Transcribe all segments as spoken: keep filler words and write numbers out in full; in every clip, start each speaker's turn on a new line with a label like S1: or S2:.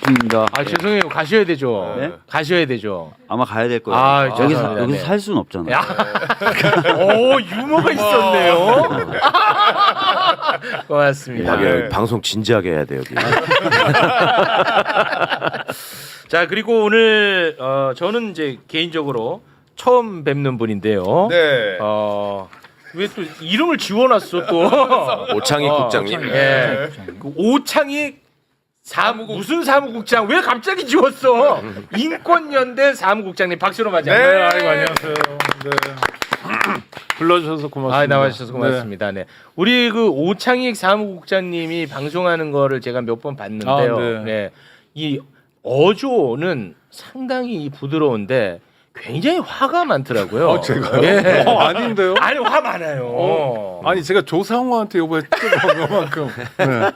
S1: 반갑습니다.
S2: 아 죄송해요. 가셔야 되죠.
S1: 네?
S2: 가셔야 되죠.
S1: 아마 가야 될 거예요.
S2: 아,
S1: 여기서
S2: 죄송합니다.
S1: 여기서
S2: 네.
S1: 살 수는 없잖아요.
S2: 오 유머가 있었네요. 고맙습니다.
S3: 야,
S2: 네.
S3: 방송 진지하게 해야 돼 여기.
S2: 자 그리고 오늘 어, 저는 이제 개인적으로 처음 뵙는 분인데요.
S4: 네.
S2: 어, 왜 또 이름을 지워놨어 또?
S3: 오창익
S2: 어,
S3: 국장님.
S2: 예. 그 오창익 사무국 무슨 사무국장 왜 갑자기 지웠어? 인권연대 사무국장님 박수로 맞이합니다.
S4: 네.
S5: 아이고 안녕하세요. 네. 불러주셔서 고맙습니다.
S2: 아 나와주셔서 고맙습니다. 네. 우리 그 오창익 사무국장님이 방송하는 거를 제가 몇 번 봤는데요.
S5: 아, 네.
S2: 네. 이 어조는 상당히 부드러운데 굉장히 화가 많더라고요.
S5: 어, 제가요?
S2: 예.
S5: 어, 아닌데요?
S2: 아니 화 많아요.
S5: 어, 아니 제가 조상우한테 요번에 찍어본 것만큼 네.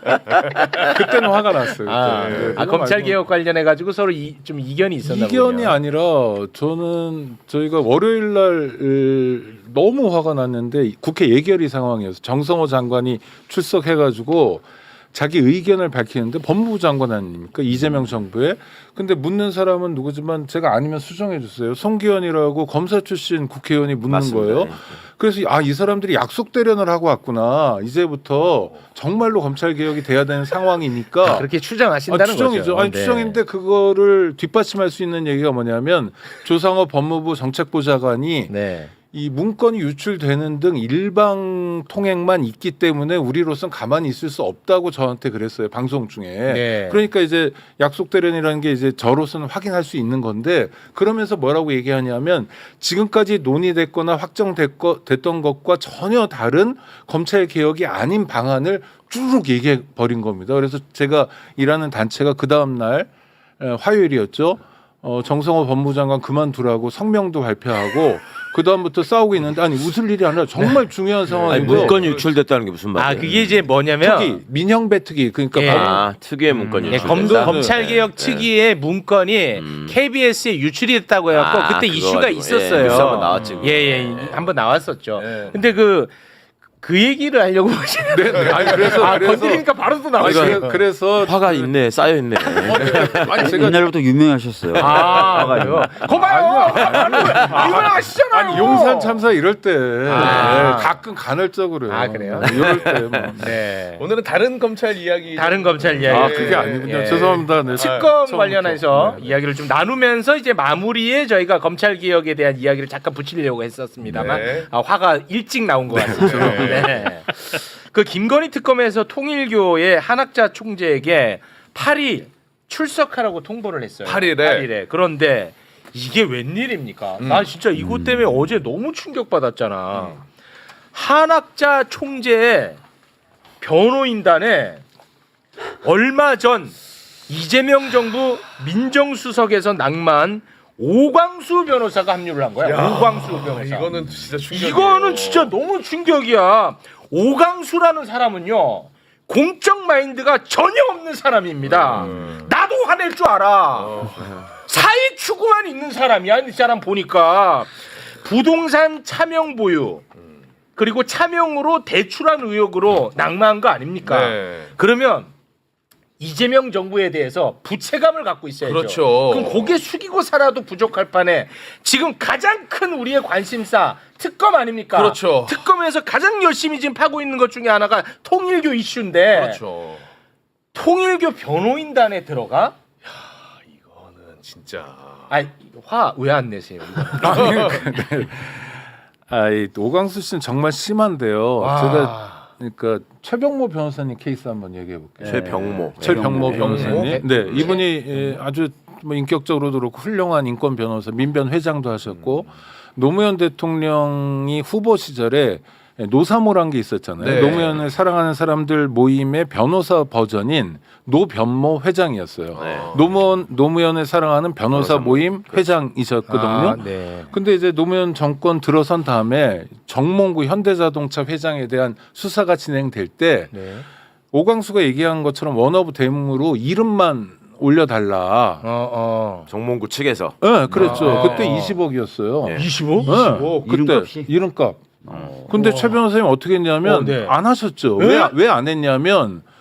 S5: 그때는 화가 났어요.
S2: 아,
S5: 그때. 네,
S2: 아
S5: 그거
S2: 검찰
S5: 말고
S2: 개혁 관련해 가지고 서로 이, 좀 이견이 있었나 보네요.
S5: 이견이 아니라 저는 저희가 월요일 날 으, 너무 화가 났는데 국회 예결위 상황이어서 정성호 장관이 출석해가지고 자기 의견을 밝히는데 법무부 장관 아닙니까 이재명 정부에. 근데 묻는 사람은 누구지만 제가 아니면 수정해 주세요. 송기현이라고 검사 출신 국회의원이 묻는
S3: 맞습니다.
S5: 거예요.
S3: 네.
S5: 그래서 아 이 사람들이 약속 대련을 하고 왔구나. 이제부터 정말로 검찰 개혁이 돼야 되는 상황이니까.
S2: 그렇게 추정하신다는
S5: 아, 추정이죠.
S2: 거죠.
S5: 아니
S2: 네.
S5: 추정인데 그거를 뒷받침할 수 있는 얘기가 뭐냐면 조상호 법무부 정책보좌관이
S2: 네.
S5: 이 문건이 유출되는 등 일방 통행만 있기 때문에 우리로선 가만히 있을 수 없다고 저한테 그랬어요. 방송 중에.
S2: 네.
S5: 그러니까 이제 약속 대련이라는 게 이제 저로서는 확인할 수 있는 건데 그러면서 뭐라고 얘기하냐면 지금까지 논의됐거나 확정됐던 것과 전혀 다른 검찰 개혁이 아닌 방안을 쭉 얘기해 버린 겁니다. 그래서 제가 일하는 단체가 그 다음 날 에, 화요일이었죠. 어, 정성호 법무장관 그만두라고 성명도 발표하고 그 다음부터 싸우고 있는데 아니 웃을 일이 아니라 정말 중요한
S3: 아니,
S5: 상황이고
S3: 문건이 유출됐다는 게 무슨 말이에요?
S2: 아 그게 이제 뭐냐면
S5: 특히 민형배 특위 그러니까
S2: 예.
S5: 법-
S3: 아, 특유의 문건이
S2: 예,
S3: 유출됐다.
S2: 검도 검찰 개혁
S3: 네.
S2: 특위의 문건이
S3: 음.
S2: 케이비에스에 유출이 됐다고 해갖고
S3: 아,
S2: 그때
S3: 그거
S2: 이슈가
S3: 가지고.
S2: 있었어요.
S3: 예, 뉴스 한번 나왔지, 그거.
S2: 예예 한번 나왔었죠.
S4: 네.
S2: 근데 그 그 얘기를 하려고 하시는
S5: 네, 네. 아니 그래서
S2: 아
S5: 그래서
S2: 건드리니까 바로 또
S5: 아니,
S2: 나와요.
S5: 그래- 그래서
S3: 화가 있네, 쌓여 있네.
S5: 아니 제가
S1: 옛날부터 유명하셨어요.
S2: 아 그래요? 거봐요. 유명하시잖아요.
S5: 아니 용산 참사 이럴 때
S2: 아.
S5: 네, 가끔 간헐적으로요.
S2: 아, 그래요?
S5: 네, 이럴 때 뭐.
S2: 네.
S4: 오늘은 다른 검찰 이야기.
S2: 다른 검찰 이야기.
S5: 아 그게 아니군요.
S2: 예.
S5: 죄송합니다. 네.
S2: 특검
S5: 처음부터.
S2: 관련해서
S5: 네.
S2: 이야기를 좀 나누면서 이제 마무리에 저희가 검찰 개혁에 대한 이야기를 잠깐 붙이려고 했었습니다만
S4: 네.
S2: 아, 화가 일찍 나온 것 같습니다. 네. 그 김건희 특검에서 통일교의 한학자 총재에게 팔 일 출석하라고 통보를 했어요.
S4: 팔 일에?
S2: 팔 일에. 그런데 이게 웬일입니까?
S4: 음.
S2: 나 진짜 이것 때문에 어제 너무 충격받았잖아. 한학자 총재의 변호인단에 얼마 전 이재명 정부 민정수석에서 낙마한 오광수 변호사가 합류를 한 거야.
S4: 야,
S2: 오광수 변호사.
S4: 이거는 진짜 충격.
S2: 이거는 진짜 너무 충격이야. 오광수라는 사람은요 공적 마인드가 전혀 없는 사람입니다.
S4: 음.
S2: 나도 화낼 줄 알아.
S4: 어.
S2: 사회 추구만 있는 사람이야. 이 사람 보니까 부동산 차명 보유 그리고 차명으로 대출한 의혹으로 낙마한 거 아닙니까?
S4: 네.
S2: 그러면 이재명 정부에 대해서 부채감을 갖고 있어야죠.
S4: 그렇죠.
S2: 그럼 고개 숙이고 살아도 부족할 판에 지금 가장 큰 우리의 관심사 특검 아닙니까?
S4: 그렇죠.
S2: 특검에서 가장 열심히 지금 파고 있는 것 중에 하나가 통일교 이슈인데
S4: 그렇죠.
S2: 통일교 변호인단에 들어가?
S4: 이거는 진짜.
S2: 아니 화 왜 안 내세요?
S5: 아니, 네. 아, 이 오광수 씨는 정말 심한데요.
S2: 와.
S5: 제가 그러니까 최병모 변호사님 케이스 한번 얘기해 볼게요.
S3: 최병모.
S5: 최병모
S1: 네.
S5: 변호사님.
S2: 네.
S5: 네, 이분이 예, 아주 뭐 인격적으로도 그렇고 훌륭한 인권 변호사, 민변 회장도 하셨고 노무현 대통령이 후보 시절에 노사모란 게 있었잖아요.
S4: 네.
S5: 노무현을 사랑하는 사람들 모임의 변호사 버전인 노변모 회장이었어요.
S3: 네.
S5: 노무현 노무현을 사랑하는 변호사
S3: 변호사
S5: 모임 회장이셨거든요.
S2: 아, 네.
S5: 근데 이제 노무현 정권 들어선 다음에 정몽구 현대자동차 회장에 대한 수사가 진행될 때
S2: 네.
S5: 오광수가 얘기한 것처럼 원어브 대문으로 이름만 올려달라.
S2: 어, 어.
S3: 정몽구 측에서.
S5: 네, 그랬죠.
S2: 아.
S5: 그때 이십억이었어요.
S3: 네.
S2: 이십오?
S5: 네, 그때
S1: 이름값이?
S5: 이름값.
S3: 어.
S5: 근데
S2: 우와.
S5: 최 변호사님 어떻게 했냐면
S2: 어, 네.
S5: 안 하셨죠.
S2: 네?
S5: 왜 왜 안 했냐면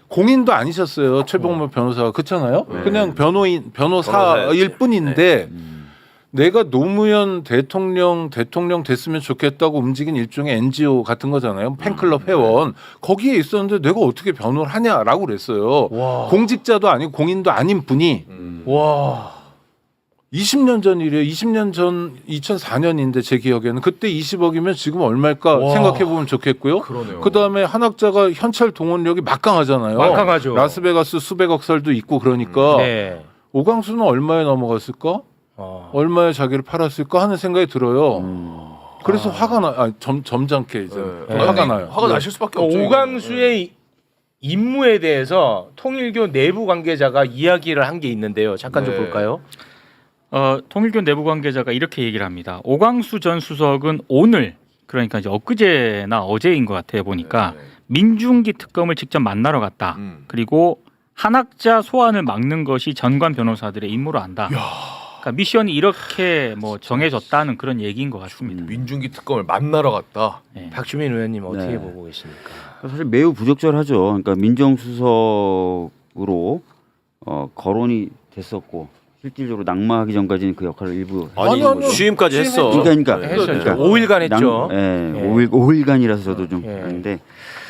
S5: 공인도 아니셨어요. 최병모 변호사가 그렇잖아요.
S3: 네.
S5: 그냥 변호인 변호사일
S3: 변호사였지.
S5: 뿐인데
S1: 음.
S5: 내가 노무현 대통령 대통령 됐으면 좋겠다고 움직인 일종의 엔지오 같은 거잖아요. 팬클럽 회원 거기에 있었는데 내가 어떻게 변호를 하냐라고 그랬어요.
S2: 와.
S5: 공직자도 아니고 공인도 아닌 분이
S4: 음.
S2: 와.
S5: 이십 년 전 일이에요. 이십 년 전 이천사 년인데 제 기억에는 그때 이십억이면 지금 얼마일까
S2: 와.
S5: 생각해 보면 좋겠고요.
S4: 그러네요.
S5: 그다음에 한학자가 현찰 동원력이 막강하잖아요.
S2: 막강하죠.
S5: 라스베가스 수백억 설도 있고 그러니까
S2: 네.
S5: 오광수는 얼마에 넘어갔을까?
S2: 어.
S5: 얼마에 자기를 팔았을까 하는 생각이 들어요.
S1: 음.
S5: 그래서
S2: 아.
S5: 화가 나, 아, 점, 점잖게 이제
S4: 네.
S5: 화가
S4: 아니,
S5: 나요.
S4: 화가
S5: 네.
S4: 나실 수밖에 없죠.
S2: 오광수의 임무에 대해서 통일교 내부 관계자가 이야기를 한 게 있는데요. 잠깐 좀
S4: 네.
S2: 볼까요?
S6: 어, 통일교 내부 관계자가 이렇게 얘기를 합니다. 오광수 전 수석은 오늘 그러니까 이제 엊그제나 어제인 것 같아요 보니까
S4: 네, 네.
S6: 민중기 특검을 직접 만나러 갔다.
S4: 음.
S6: 그리고 한학자 소환을 막는 것이 전관 변호사들의 임무로 한다. 그러니까 미션이 이렇게 뭐 정해졌다는 그런 얘기인 것 같습니다.
S4: 민중기 특검을 만나러 갔다.
S6: 네.
S2: 박주민 의원님 어떻게
S1: 네.
S2: 보고 계십니까?
S1: 사실 매우 부적절하죠. 그러니까 민정수석으로 어, 거론이 됐었고 실질적으로 낙마하기 전까지는 그 역할을 일부
S5: 아니,
S1: 했던
S5: 아니요.
S1: 거죠.
S3: 취임까지 했어.
S1: 그러니까, 그러니까,
S3: 네.
S2: 했었죠.
S1: 그러니까
S2: 오 일간 했죠.
S1: 낭- 예,
S2: 예.
S1: 오 일 오 일간이라서 저도 좀
S2: 예.
S1: 아는데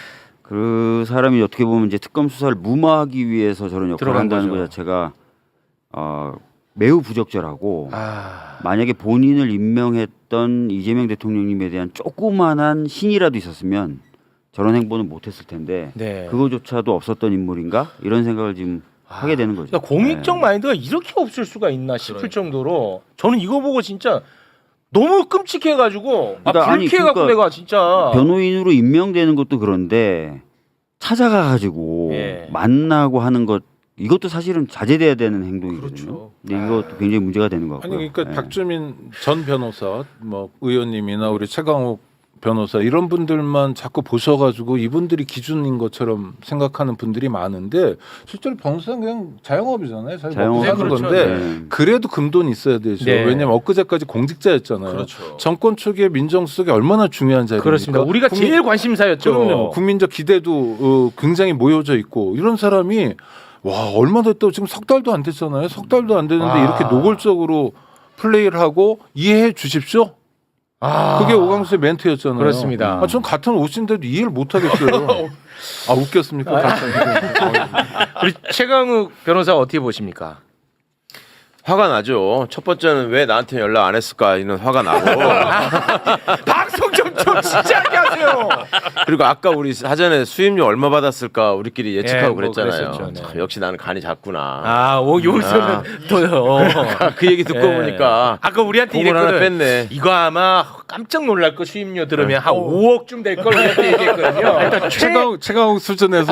S1: 그 사람이 어떻게 보면 이제 특검 수사를 무마하기 위해서 저런 역할을
S2: 들어간
S1: 한다는
S2: 거죠.
S1: 것 자체가 어, 매우 부적절하고
S2: 아.
S1: 만약에 본인을 임명했던 이재명 대통령님에 대한 조그만한 신이라도 있었으면 저런 행보는 못했을 텐데
S2: 네.
S1: 그거조차도 없었던 인물인가 이런 생각을 지금 하게 되는 거죠.
S2: 그러니까 공익적
S1: 네.
S2: 마인드가 이렇게 없을 수가 있나 싶을
S4: 그러니까.
S2: 정도로 저는 이거 보고 진짜 너무 끔찍해가지고 아,
S1: 그러니까 아니,
S2: 불쾌해갖고
S1: 그러니까
S2: 내가 진짜
S1: 변호인으로 임명되는 것도 그런데 찾아가 가지고
S2: 예.
S1: 만나고 하는 것 이것도 사실은 자제돼야 되는 행동이거든요.
S4: 그렇죠.
S1: 근데 이것도 굉장히 문제가 되는 것
S5: 아니
S1: 같고요.
S5: 그러니까
S1: 예.
S5: 박주민 전 변호사, 뭐 의원님이나 우리 최강욱 변호사 이런 분들만 자꾸 보셔가지고 이분들이 기준인 것처럼 생각하는 분들이 많은데 실제로 변호사는 그냥 자영업이잖아요. 자기 먹고
S1: 자영업.
S5: 사는
S2: 네, 그렇죠.
S5: 건데
S1: 네.
S5: 그래도 금돈이 있어야 되죠.
S2: 네.
S5: 왜냐면 엊그제까지 공직자였잖아요.
S4: 그렇죠.
S5: 정권 초기에 민정수석이 얼마나 중요한 자리입니까?
S2: 그렇습니다. 우리가
S5: 국민-
S2: 제일 관심사였죠.
S5: 그럼요. 국민적 기대도 어, 굉장히 모여져 있고 이런 사람이 와 얼마 됐다고 지금 석 달도 안 됐잖아요. 석 달도 안 됐는데
S2: 와.
S5: 이렇게 노골적으로 플레이를 하고 이해해 주십시오.
S2: 아.
S5: 그게 오광수의 멘트였잖아요.
S2: 그렇습니다.
S5: 아, 전 같은 옷인데도 이해를 못 하겠어요. 아 웃겼습니까?
S2: 우리 최강욱 변호사 어떻게 보십니까?
S3: 화가 나죠. 첫 번째는 왜 나한테 연락 안 했을까 이런 화가 나고
S2: 방송 좀, 좀 진지하게 하세요.
S3: 그리고 아까 우리 사전에 수임료 얼마 받았을까 우리끼리 예측하고
S2: 예, 뭐
S3: 그랬잖아요.
S2: 그랬었죠, 네.
S3: 참, 역시 나는 간이 작구나.
S2: 아, 오, 여기서는
S3: 아.
S2: 또 어.
S3: 그 얘기 듣고
S2: 예.
S3: 보니까
S2: 아까 우리한테
S3: 공을 하나
S2: 이랬거든.
S3: 뺐네.
S2: 이거 아마 깜짝 놀랄 거 수임료 들으면
S3: 네.
S2: 한 오억쯤 될 걸 우리한테 얘기했거든요. 일단
S5: 최강 최강욱 수준에서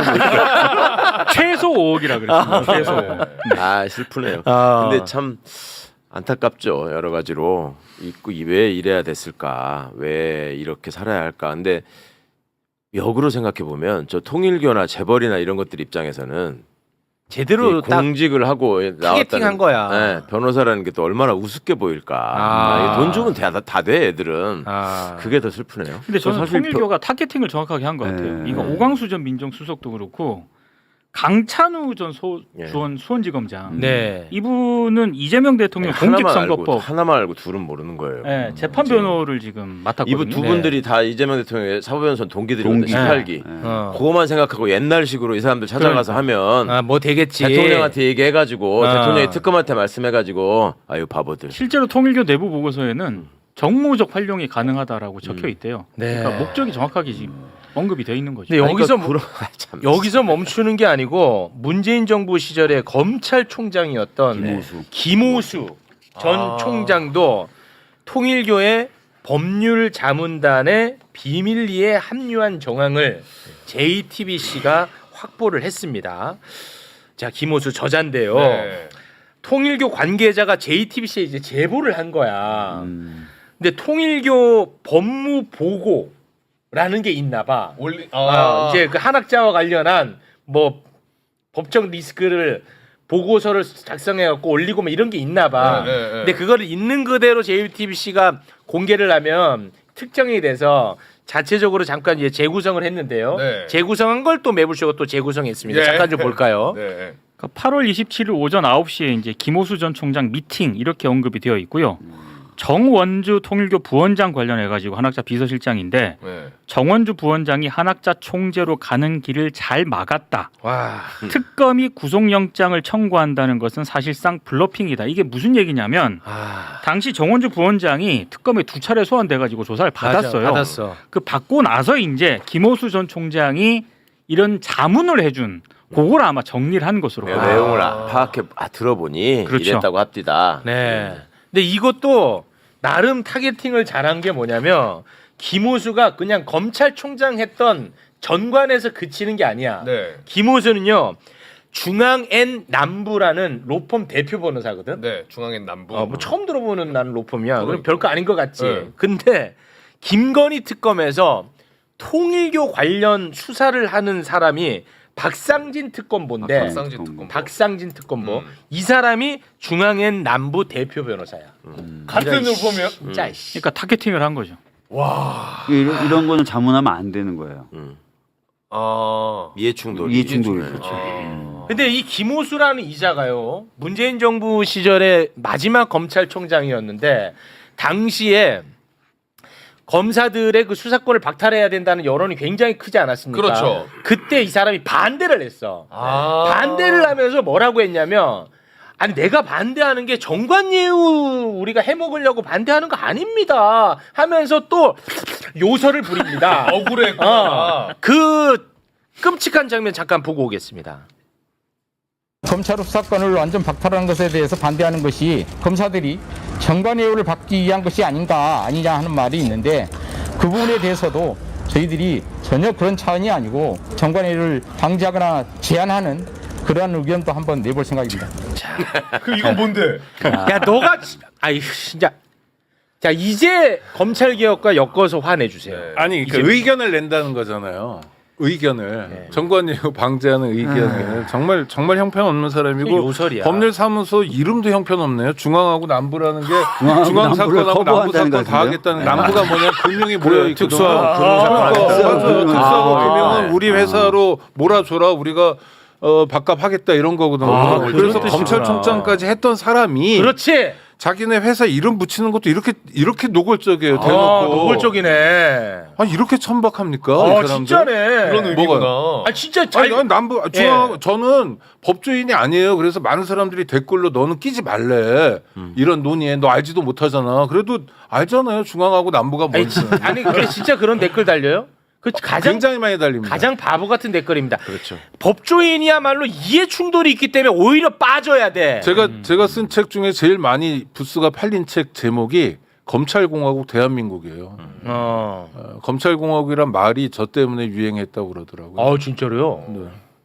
S6: 최소 오억이라 그랬습니다. 최소.
S3: 아 슬프네요.
S2: 아.
S3: 근데 참 안타깝죠. 여러 가지로 있고 왜 이래야 됐을까? 왜 이렇게 살아야 할까? 근데 역으로 생각해 보면 저 통일교나 재벌이나 이런 것들 입장에서는
S2: 제대로
S3: 이
S2: 딱
S3: 공직을 하고 나왔다는
S2: 타겟팅한 거야.
S3: 네, 변호사라는 게 또 얼마나 우습게 보일까?
S2: 아.
S3: 아, 돈 주면 다돼 애들은.
S2: 아.
S3: 그게 더 슬프네요.
S6: 근데 저는
S1: 사실
S6: 통일교가 타겟팅을 정확하게 한 것 같아요.
S1: 네.
S6: 이거 오광수 전 민정수석도 그렇고 강찬우 전 소,
S3: 예.
S6: 수원 수원지검장
S2: 네.
S6: 이분은 이재명 대통령
S3: 하나만 알고
S6: 공직선거법
S3: 하나만 알고 둘은 모르는 거예요.
S6: 예, 재판
S3: 지금.
S6: 변호를 지금 맡았거든요.
S3: 이분 두
S2: 네.
S3: 분들이 다 이재명 대통령의 사법연수원 동기들이거든요.
S1: 동기.
S3: 십팔 기.
S1: 예.
S2: 어.
S3: 그거만 생각하고 옛날식으로 이 사람들 찾아가서 하면
S2: 아, 뭐 되겠지.
S3: 대통령한테 얘기해가지고
S2: 아.
S3: 대통령이 특검한테 말씀해가지고 아유 바보들.
S6: 실제로 통일교 내부 보고서에는 정무적 활용이 가능하다라고 적혀
S3: 음.
S6: 있대요.
S2: 네.
S6: 그러니까 목적이 정확하게 지금 언급이 돼 있는 거죠.
S2: 근데 여기서
S3: 아니,
S2: 뭐-
S3: 그러니까 그런- 참.
S2: 여기서 멈추는 게 아니고 문재인 정부 시절에 검찰총장이었던
S1: 김호수.
S2: 김호수 전
S4: 아.
S2: 총장도 통일교의 법률 자문단의 비밀리에 합류한 정황을 제이티비씨가 확보를 했습니다. 자, 김호수 저자인데요.
S4: 네.
S2: 통일교 관계자가 제이티비씨에 이제 제보를 한 거야.
S1: 음.
S2: 근데 통일교 법무 보고라는 게 있나 봐.
S4: 올리
S2: 아, 이제 그 한학자와 관련한 뭐 법적 리스크를 보고서를 작성해 갖고 올리고 뭐 이런 게 있나 봐.
S4: 네, 네, 네.
S2: 근데 그거를 있는 그대로 제이티비씨가 공개를 하면 특정이 돼서 자체적으로 잠깐 이제 재구성을 했는데요.
S4: 네.
S2: 재구성한 걸 또 매불쇼가 또 재구성했습니다.
S4: 예.
S2: 잠깐 좀 볼까요?
S4: 네.
S6: 그러니까 팔월 이십칠일 오전 아홉 시에 이제 김호수 전 총장 미팅 이렇게 언급이 되어 있고요. 정원주 통일교 부원장 관련해 가지고 한학자 비서실장인데
S4: 네.
S6: 정원주 부원장이 한학자 총재로 가는 길을 잘 막았다.
S2: 와.
S6: 특검이 구속영장을 청구한다는 것은 사실상 블러핑이다. 이게 무슨 얘기냐면
S2: 아.
S6: 당시 정원주 부원장이 특검에 두 차례 소환돼 가지고 조사를 받았어요.
S2: 맞아, 받았어.
S6: 그 받고 나서 이제 김호수 전 총장이 이런 자문을 해준 그걸 아마 정리를 한 것으로
S3: 내가
S6: 봐요.
S3: 내용을 아, 파악해 아, 들어보니
S6: 그렇죠.
S3: 이랬다고 합디다.
S2: 네. 근데 이것도 나름 타겟팅을 잘한 게 뭐냐면 김호수가 그냥 검찰총장 했던 전관에서 그치는 게 아니야.
S4: 네.
S2: 김호수는요. 중앙엔 남부라는 로펌 대표 변호사거든.
S4: 네. 중앙엔 남부.
S2: 어, 뭐 처음 들어보는 나는 로펌이야. 그럼
S4: 그러니까.
S2: 별거 아닌 것 같지.
S4: 네.
S2: 근데 김건희 특검에서 통일교 관련 수사를 하는 사람이 박상진 특검보인데
S1: 아,
S4: 박상진 특검.
S2: 박상진 특검보
S4: 음.
S2: 이 사람이 중앙엔 남부 대표 변호사야.
S4: 같은
S2: 이런
S4: 로펌이요?
S2: 진짜 씨.
S6: 그러니까 타겟팅을 한 거죠.
S4: 와.
S1: 이런, 이런 거는 자문하면 안 되는 거예요.
S3: 음.
S4: 아.
S3: 이해 충돌.
S1: 이해 충돌이
S3: 충돌.
S1: 그렇죠.
S4: 아.
S2: 근데 이 김호수라는 이자가요. 문재인 정부 시절에 마지막 검찰총장이었는데 당시에 검사들의 그 수사권을 박탈해야 된다는 여론이 굉장히 크지 않았습니까?
S4: 그렇죠.
S2: 그때 이 사람이 반대를 했어.
S4: 아.
S2: 반대를 하면서 뭐라고 했냐면 아니 내가 반대하는 게 정관예우 우리가 해먹으려고 반대하는 거 아닙니다 하면서 또 요설을 부립니다.
S4: 억울했구나.
S2: 어, 그 끔찍한 장면 잠깐 보고 오겠습니다.
S7: 검찰 수사권을 완전 박탈하는 것에 대해서 반대하는 것이 검사들이 정관예우를 받기 위한 것이 아닌가 아니냐 하는 말이 있는데 그 부분에 대해서도 저희들이 전혀 그런 차원이 아니고 정관예우를 방지하거나 제한하는 그러한 의견도 한번 내볼 생각입니다.
S4: 그 이건 뭔데?
S2: 야 너가 지- 아이 진짜 자 이제 검찰 개혁과 엮어서 화내 주세요.
S4: 네.
S5: 아니 그러니까
S2: 이제-
S5: 의견을 낸다는 거잖아요. 의견을
S2: 네.
S5: 정관예우 방지하는 의견을 정말 정말 형편없는 사람이고
S2: 요설이야.
S5: 법률사무소 이름도 형편없네요. 중앙하고 남부라는 게
S1: 중앙하고
S5: 중앙
S1: 남부를
S5: 사건하고 남부
S1: 커버한다는
S5: 사건 다
S1: 것
S5: 하겠다는
S1: 같은데요?
S5: 남부가 뭐냐 금융이 모여 있거든.
S2: 특수하고
S5: 그러니까
S1: 특수하고
S5: 맞아요.
S1: 금융.
S5: 특수하고
S1: 아,
S5: 금융은
S1: 네.
S5: 우리 회사로 몰아줘라 우리가 어, 밥값하겠다 이런 거거든.
S2: 아,
S5: 그래서
S2: 그런 뜻이구나.
S5: 검찰총장까지 했던 사람이
S2: 그렇지.
S5: 자기네 회사 이름 붙이는 것도 이렇게 이렇게 노골적이에요.
S2: 아,
S5: 대놓고.
S2: 노골적이네.
S5: 아 이렇게 천박합니까?
S2: 아
S5: 이 사람들?
S2: 진짜네.
S4: 그런 의미구나.
S2: 아 진짜 잘.
S5: 아니, 아니 남부 중앙
S2: 예.
S5: 저는 법조인이 아니에요. 그래서 많은 사람들이 댓글로 너는 끼지 말래 이런 논의에 너 알지도 못하잖아. 그래도 알잖아요. 중앙하고 남부가
S2: 아니,
S5: 뭔지.
S2: 진- 아니 그래 진짜 그런 댓글 달려요? 그 가장
S5: 굉장히 많이 달립니다.
S2: 가장 바보 같은 댓글입니다.
S3: 그렇죠.
S2: 법조인이야말로 이해 충돌이 있기 때문에 오히려 빠져야 돼.
S5: 제가 제가 쓴 책 중에 제일 많이 부스가 팔린 책 제목이 검찰공화국 대한민국이에요.
S2: 어.
S5: 어, 검찰공화국이란 말이 저 때문에 유행했다고 그러더라고요.
S2: 아 진짜로요?
S5: 네.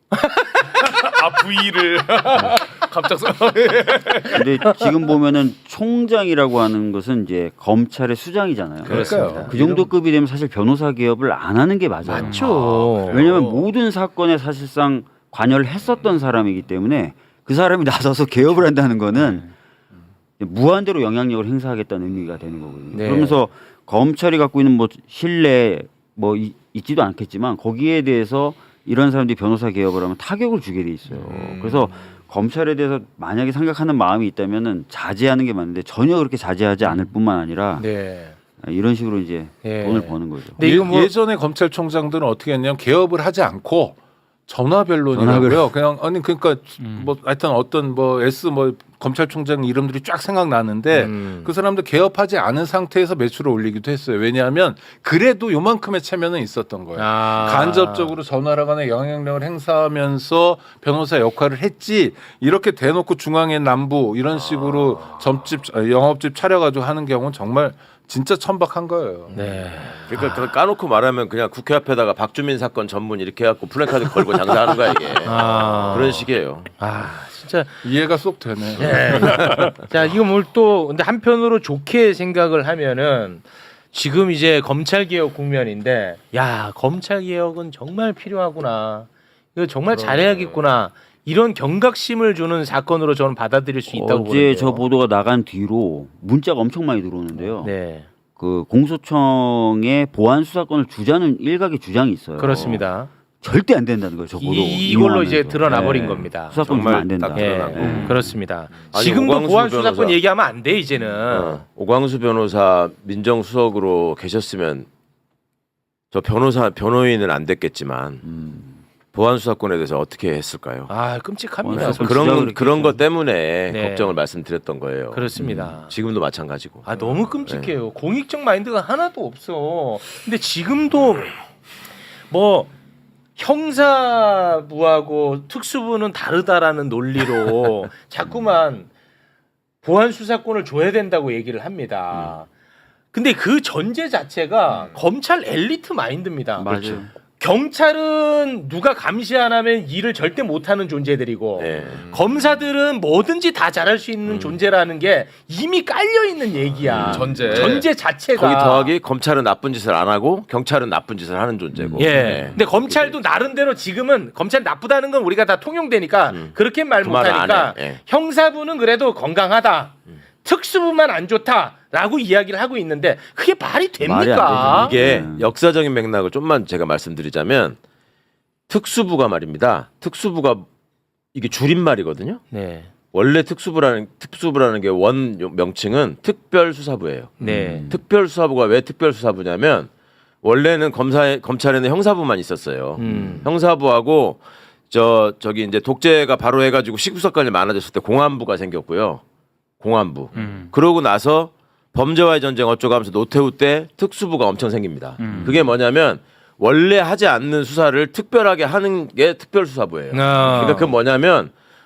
S4: 아 V를 갑작스.
S1: 근데 지금 보면은 총장이라고 하는 것은 이제 검찰의 수장이잖아요.
S5: 그러니까요.
S1: 그 정도 급이 되면 사실 변호사 개업을 안 하는 게 맞아요.
S2: 맞죠.
S1: 왜냐하면 모든 사건에 사실상 관여를 했었던 사람이기 때문에 그 사람이 나서서 개업을 한다는 거는 무한대로 영향력을 행사하겠다는 의미가 되는 거거든요.
S2: 네.
S1: 그러면서 검찰이 갖고 있는 뭐 신뢰 뭐 이- 있지도 않겠지만 거기에 대해서 이런 사람들이 변호사 개업을 하면 타격을 주게 돼 있어요.
S4: 음.
S1: 그래서 검찰에 대해서 만약에 생각하는 마음이 있다면은 자제하는 게 맞는데 전혀 그렇게 자제하지 않을 뿐만 아니라
S2: 네.
S1: 이런 식으로 이제
S2: 예.
S1: 돈을 버는 거죠.
S2: 근데 이거 뭐
S5: 예, 예전에 검찰총장들은 어떻게 했냐면 개업을 하지 않고 전화변론이라고요.
S1: 전화변론.
S5: 그냥 아니 그러니까
S6: 음.
S5: 뭐 하여튼 어떤 뭐 S 뭐 검찰총장 이름들이 쫙 생각나는데
S2: 음.
S5: 그 사람들 개업하지 않은 상태에서 매출을 올리기도 했어요. 왜냐하면 그래도 요만큼의 체면은 있었던 거예요.
S2: 아.
S5: 간접적으로 전화라간의 영향력을 행사하면서 변호사 역할을 했지 이렇게 대놓고 중앙에 남부 이런 식으로 점집 아, 영업집 차려가지고 하는 경우는 정말 진짜 천박한 거예요.
S2: 네.
S3: 그러니까 그 까놓고 말하면 그냥 국회 앞에다가 박주민 사건 전문 이렇게 해갖고 플래카드 걸고 장사하는 거야 이게.
S2: 아.
S3: 그런 식이에요.
S2: 아 진짜.
S5: 이해가 쏙 되네.
S2: 네. 자 이거 뭘 또 근데 한편으로 좋게 생각을 하면은 지금 이제 검찰 개혁 국면인데 야 검찰 개혁은 정말 필요하구나. 이거 정말 잘해야겠구나. 이런 경각심을 주는 사건으로 저는 받아들일 수 있다고
S1: 어제
S2: 보는데요.
S1: 저 보도가 나간 뒤로 문자가 엄청 많이 들어오는데요.
S2: 네.
S1: 그 공소청에 보안 수사권을 주자는 일각의 주장이 있어요.
S2: 그렇습니다.
S1: 절대 안 된다는 거예요. 적어도
S2: 이, 이걸로 이제
S1: 이용하면서.
S2: 드러나 버린
S1: 네.
S2: 겁니다.
S1: 수사권 주면 안 된다.
S3: 딱
S2: 예,
S3: 드러나고.
S1: 네.
S2: 그렇습니다.
S3: 아니,
S2: 지금도
S3: 오광수
S2: 보안 수사권
S3: 변호사.
S2: 얘기하면 안 돼 이제는.
S3: 어, 오광수 변호사 민정수석으로 계셨으면 저 변호사 변호인은 안 됐겠지만
S1: 음.
S3: 보안 수사권에 대해서 어떻게 했을까요?
S2: 아 끔찍합니다.
S1: 보안 수사권
S3: 그런
S1: 진짜
S3: 그런 것
S1: 그랬겠죠.
S3: 때문에
S2: 네.
S3: 걱정을 말씀드렸던 거예요.
S2: 그렇습니다.
S3: 지금도 마찬가지고.
S2: 아 너무 끔찍해요. 공익적 마인드가 하나도 없어. 근데 지금도 뭐 형사부하고 특수부는 다르다라는 논리로 자꾸만 보안 수사권을 줘야 된다고 얘기를 합니다. 근데 그 전제 자체가 검찰 엘리트 마인드입니다.
S1: 맞아요.
S2: 경찰은 누가 감시 안 하면 일을 절대 못하는 존재들이고
S3: 네.
S2: 검사들은 뭐든지 다 잘할 수 있는 존재라는 게 이미 깔려 있는 얘기야.
S4: 전제.
S2: 전제 자체가.
S3: 거기 더하기 검찰은 나쁜 짓을 안 하고 경찰은 나쁜 짓을 하는 존재고.
S2: 예.
S3: 네.
S2: 근데 검찰도 나름대로 지금은 검찰 나쁘다는 건 우리가 다 통용되니까
S3: 음.
S2: 그렇게 말
S3: 그 말을 안
S2: 못하니까
S3: 해. 예.
S2: 형사부는 그래도 건강하다. 특수부만 안 좋다라고 이야기를 하고 있는데 그게 말이
S1: 말이
S2: 됩니까?
S1: 안 되죠.
S3: 이게
S1: 음.
S3: 역사적인 맥락을 좀만 제가 말씀드리자면 특수부가 말입니다. 특수부가 이게 줄임말이거든요.
S2: 네.
S3: 원래 특수부라는 특수부라는 게 원 명칭은 특별수사부예요.
S2: 네.
S3: 특별수사부가 왜 특별수사부냐면 원래는 검사 검찰에는 형사부만 있었어요.
S2: 음.
S3: 형사부하고 저 저기 이제 독재가 바로 해가지고 시국사건이 많아졌을 때 공안부가 생겼고요. 공안부.
S6: 음.
S3: 그러고 나서 범죄와의 전쟁 어쩌고 하면서 노태우 때 특수부가 엄청 생깁니다.
S6: 음.
S3: 그게 뭐냐면 원래 하지 않는 수사를 특별하게 하는 게 특별수사부예요.
S2: 아.
S3: 그러니까 그 뭐냐면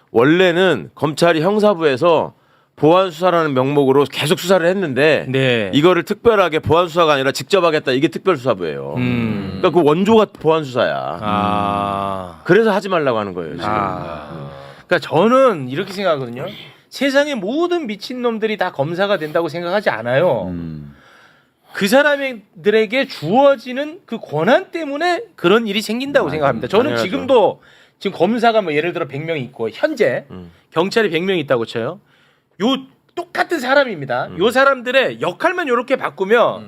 S3: 원래는 검찰이 형사부에서 보안 수사라는 명목으로 계속 수사를 했는데
S2: 네.
S3: 이거를 특별하게 보안 수사가 아니라 직접 하겠다 이게 특별수사부예요.
S2: 음.
S3: 그러니까 그 원조가 보안 수사야.
S2: 아.
S3: 그래서 하지 말라고 하는 거예요. 지금.
S2: 아. 그러니까 저는 이렇게 생각하거든요. 세상의 모든 미친 놈들이 다 검사가 된다고 생각하지 않아요.
S1: 음.
S2: 그 사람들에게 주어지는 그 권한 때문에 그런 일이 생긴다고 생각합니다. 저는
S3: 당연하죠.
S2: 지금도 지금 검사가 뭐 예를 들어 백 명 있고 현재
S3: 음.
S2: 경찰이 백 명 있다고 쳐요. 요 똑같은 사람입니다.
S3: 음.
S2: 요 사람들의 역할만 이렇게 바꾸면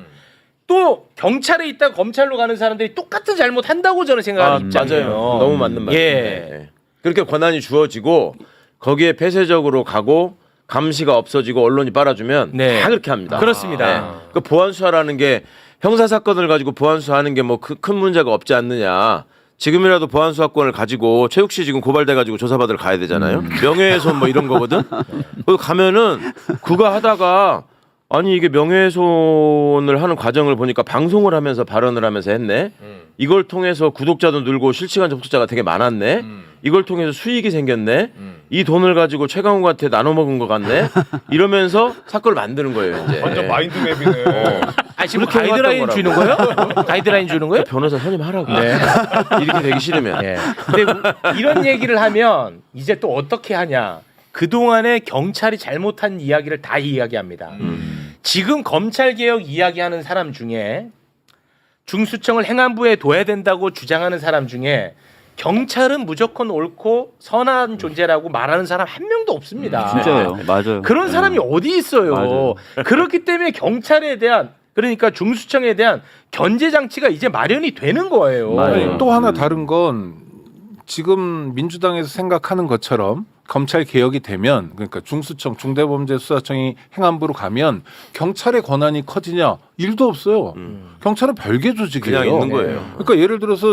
S2: 또 경찰에 있다 검찰로 가는 사람들이 똑같은 잘못 한다고 저는 생각하는
S3: 아,
S2: 입장이에요.
S3: 맞아요. 너무 맞는 말이에요.
S2: 예.
S3: 네. 그렇게 권한이 주어지고 거기에 폐쇄적으로 가고 감시가 없어지고 언론이 빨아주면
S2: 네.
S3: 다 그렇게 합니다.
S2: 그렇습니다.
S3: 그 보안 수사라는 게 형사 사건을 가지고 보안 수사하는 게 뭐 큰 문제가 없지 않느냐. 지금이라도 보안 수사권을 가지고 최욱 씨 지금 고발돼 가지고 조사받으러 가야 되잖아요. 명예훼손 뭐 이런 거거든. 거기 가면은 그거 하다가 아니 이게 명예훼손을 하는 과정을 보니까 방송을 하면서 발언을 하면서 했네. 이걸 통해서 구독자도 늘고 실시간 접속자가 되게 많았네. 이걸 통해서 수익이 생겼네. 이 돈을 가지고 최강욱한테 나눠 먹은 것 같네. 이러면서 사건을 만드는 거예요. 이제.
S4: 완전 마인드맵이네.
S2: 아 지금
S3: 그렇게
S2: 가이드라인
S3: 해왔던
S2: 주는 거예요? 가이드라인 주는 거예요?
S3: 변호사 선임하라고.
S2: 네.
S3: 이렇게 되기 싫으면.
S2: 예. 근데 뭐 이런 얘기를 하면 이제 또 어떻게 하냐? 그 동안에 경찰이 잘못한 이야기를 다 이야기합니다.
S3: 음.
S2: 지금 검찰 개혁 이야기하는 사람 중에 중수청을 행안부에 둬야 된다고 주장하는 사람 중에 경찰은 무조건 옳고 선한 존재라고 말하는 사람 한 명도 없습니다.
S1: 진짜예요. 맞아요.
S2: 그런 사람이 어디 있어요?
S1: 맞아요.
S2: 그렇기 때문에 경찰에 대한 그러니까 중수청에 대한 견제 장치가 이제 마련이 되는 거예요.
S1: 맞아요.
S5: 또 하나 다른 건 지금 민주당에서 생각하는 것처럼 검찰 개혁이 되면 그러니까 중수청 중대범죄수사청이 행안부로 가면 경찰의 권한이 커지냐 일도 없어요.
S3: 음.
S5: 경찰은 별개 조직이에요.
S3: 그냥 있는 거예요.
S5: 그러니까 예를 들어서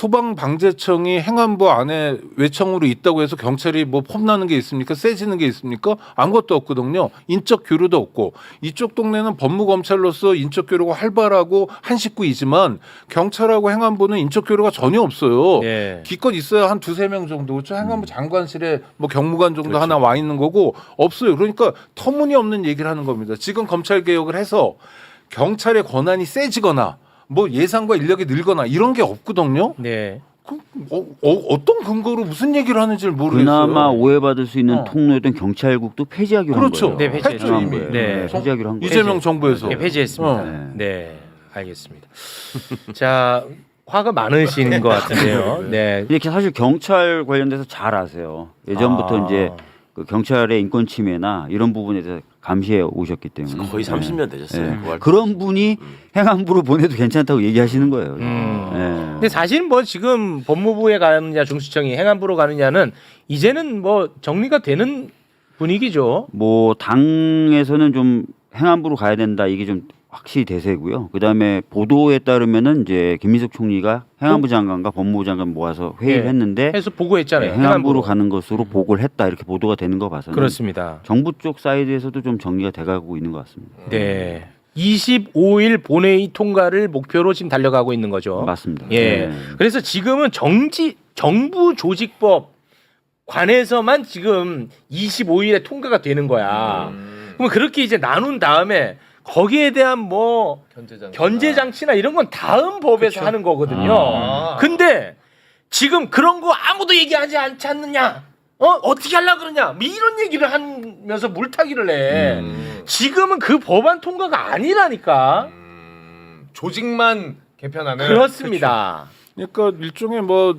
S5: 소방방재청이 행안부 안에 외청으로 있다고 해서 경찰이 뭐 폼나는 게 있습니까? 세지는 게 있습니까? 아무것도 없거든요. 인적 교류도 없고 이쪽 동네는 법무검찰로서 인적 교류가 활발하고 한 식구이지만 경찰하고 행안부는 인적 교류가 전혀 없어요.
S2: 네.
S5: 기껏 있어야 한 두세 명 정도. 그렇죠? 행안부 장관실에 뭐 경무관 정도
S3: 그렇죠.
S5: 하나 와 있는 거고 없어요. 그러니까 터무니없는 얘기를 하는 겁니다. 지금 검찰 개혁을 해서 경찰의 권한이 세지거나 뭐 예산과 인력이 늘거나 이런 게 없거든요.
S2: 네.
S5: 그, 어, 어, 어떤 근거로 무슨 얘기를 하는지를 모르겠어요.
S1: 그나마 오해받을 수 있는
S5: 어.
S1: 통로였던 경찰국도 폐지하기로
S5: 그렇죠.
S1: 한 거예요.
S2: 네, 폐지했죠.
S5: 했죠, 이미.
S2: 네.
S1: 폐지하기로 한 거예요.
S5: 이재명 정부에서.
S2: 네, 폐지했습니다.
S5: 어.
S2: 네. 알겠습니다. 자, 화가 많으신 것 같은데요. 네.
S1: 이렇게 사실 경찰 관련돼서 잘 아세요. 예전부터
S2: 아.
S1: 이제 그 경찰의 인권 침해나 이런 부분에 대해서 감시해 오셨기 때문에
S3: 거의 삼십 년 되셨어요.
S1: 네.
S3: 그 활동.
S1: 그런 분이 행안부로 보내도 괜찮다고 얘기하시는 거예요.
S2: 음.
S1: 네.
S2: 근데 사실 뭐 지금 법무부에 가느냐 중수청이 행안부로 가느냐는 이제는 뭐 정리가 되는 분위기죠.
S1: 뭐 당에서는 좀 행안부로 가야 된다 이게 좀 확실히 대세고요. 그다음에 보도에 따르면은 이제 김민석 총리가 행안부 장관과 법무부 장관 모아서 회의를
S2: 네.
S1: 했는데
S2: 해서 보고했잖아요.
S1: 네, 행안부로 가는 것으로 보고를 했다 이렇게 보도가 되는 거 봐서는
S2: 그렇습니다.
S1: 정부 쪽 사이드에서도 좀 정리가 돼가고 있는 것 같습니다.
S2: 네. 이십오 일 본회의 통과를 목표로 지금 달려가고 있는 거죠.
S1: 맞습니다.
S2: 예.
S1: 네.
S2: 그래서 지금은 정지 정부 조직법 관해서만 지금 이십오 일에 통과가 되는 거야.
S4: 음.
S2: 그러면 그렇게 이제 나눈 다음에 거기에 대한 뭐
S4: 견제장.
S2: 견제 장치나 이런 건 다음 법에서 하는 거거든요.
S4: 아.
S2: 근데 지금 그런 거 아무도 얘기하지 않지 않느냐? 어 어떻게 하려 그러냐? 뭐 이런 얘기를 하면서 물타기를 해.
S4: 음.
S2: 지금은 그 법안 통과가 아니라니까.
S4: 음. 조직만 개편하는.
S2: 그렇습니다.
S5: 그러니까 일종의 뭐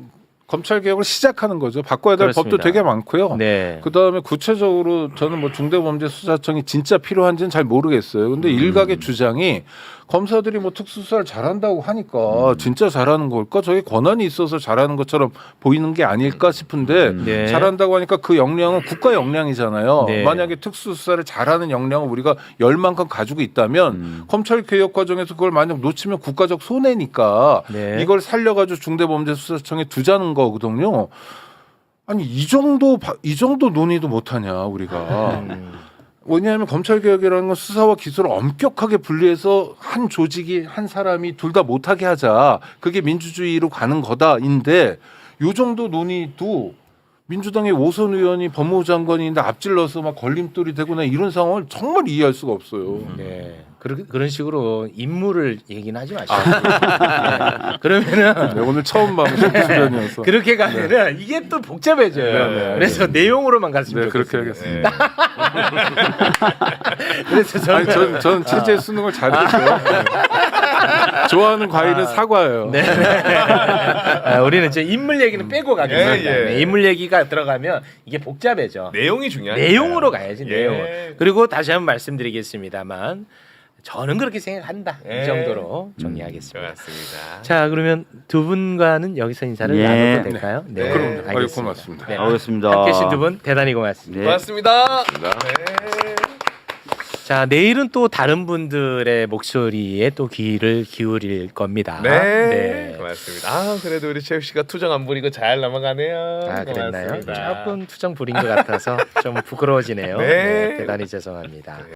S5: 검찰 개혁을 시작하는 거죠. 바꿔야 될
S2: 그렇습니다.
S5: 법도 되게 많고요.
S2: 네.
S5: 그 다음에 구체적으로 저는 뭐 중대범죄수사청이 진짜 필요한지는 잘 모르겠어요. 근데 일각의 주장이 검사들이 뭐 특수수사를 잘한다고 하니까 진짜 잘하는 걸까? 저게 권한이 있어서 잘하는 것처럼 보이는 게 아닐까 싶은데
S2: 네.
S5: 잘한다고 하니까 그 역량은 국가 역량이잖아요.
S2: 네.
S5: 만약에 특수수사를 잘하는 역량을 우리가 열만큼 가지고 있다면
S1: 음.
S5: 검찰 개혁 과정에서 그걸 만약 놓치면 국가적 손해니까
S2: 네.
S5: 이걸 살려가지고 중대범죄수사청에 두자는 거거든요. 아니 이 정도 바- 이 정도 논의도 못하냐 우리가.
S2: 음.
S5: 왜냐하면 검찰 개혁이라는 건 수사와 기소를 엄격하게 분리해서 한 조직이 한 사람이 둘 다 못하게 하자. 그게 민주주의로 가는 거다인데 요 정도 논의도 민주당의 오선 의원이 법무부 장관인데 앞질러서 막 걸림돌이 되거나 이런 상황을 정말 이해할 수가 없어요.
S2: 네. 그런 그런 식으로 인물을 얘기는 하지 마시고. 네. 그러면은
S5: 네, 오늘 처음 봐 수련이어서.
S2: 그렇게 가면은 이게 또 복잡해져요.
S5: 네, 네,
S2: 그래서 내용으로만 갔으면
S5: 네 그렇게
S2: 좋겠습니다.
S5: 하겠습니다.
S2: 그래서 저는
S5: 아니 전, 전 체제 수능을 잘했죠. 네. 좋아하는 과일은 사과예요.
S2: 네. 아, 우리는 이제 인물 얘기는 빼고 가겠습니다.
S4: 예, 예.
S2: 네, 인물 얘기가 들어가면 이게 복잡해져.
S4: 내용이 중요하니까.
S2: 내용으로 가야지
S4: 예.
S2: 내용. 그리고 다시 한번 말씀드리겠습니다만 저는 그렇게 생각한다.
S4: 예.
S2: 이 정도로 정리하겠습니다.
S4: 좋았습니다.
S2: 자 그러면 두 분과는 여기서 인사를
S1: 예.
S2: 나눠도 될까요?
S4: 네.
S5: 그럼요. 아유,
S2: 알겠습니다.
S5: 고맙습니다.
S2: 네.
S1: 알겠습니다.
S2: 함께 해주신 두 분 대단히 고맙습니다.
S1: 네.
S4: 고맙습니다.
S3: 네.
S4: 네.
S2: 자 내일은 또 다른 분들의 목소리에 또 귀를 기울일 겁니다.
S4: 네. 고맙습니다. 아 그래도 우리 최욱 씨가 투정 안 부리고 잘 넘어가네요.
S2: 아 그랬나요?
S4: 고맙습니다.
S2: 조금 투정 부린 것 같아서 좀 부끄러워지네요.
S4: 네.
S2: 네, 대단히 죄송합니다.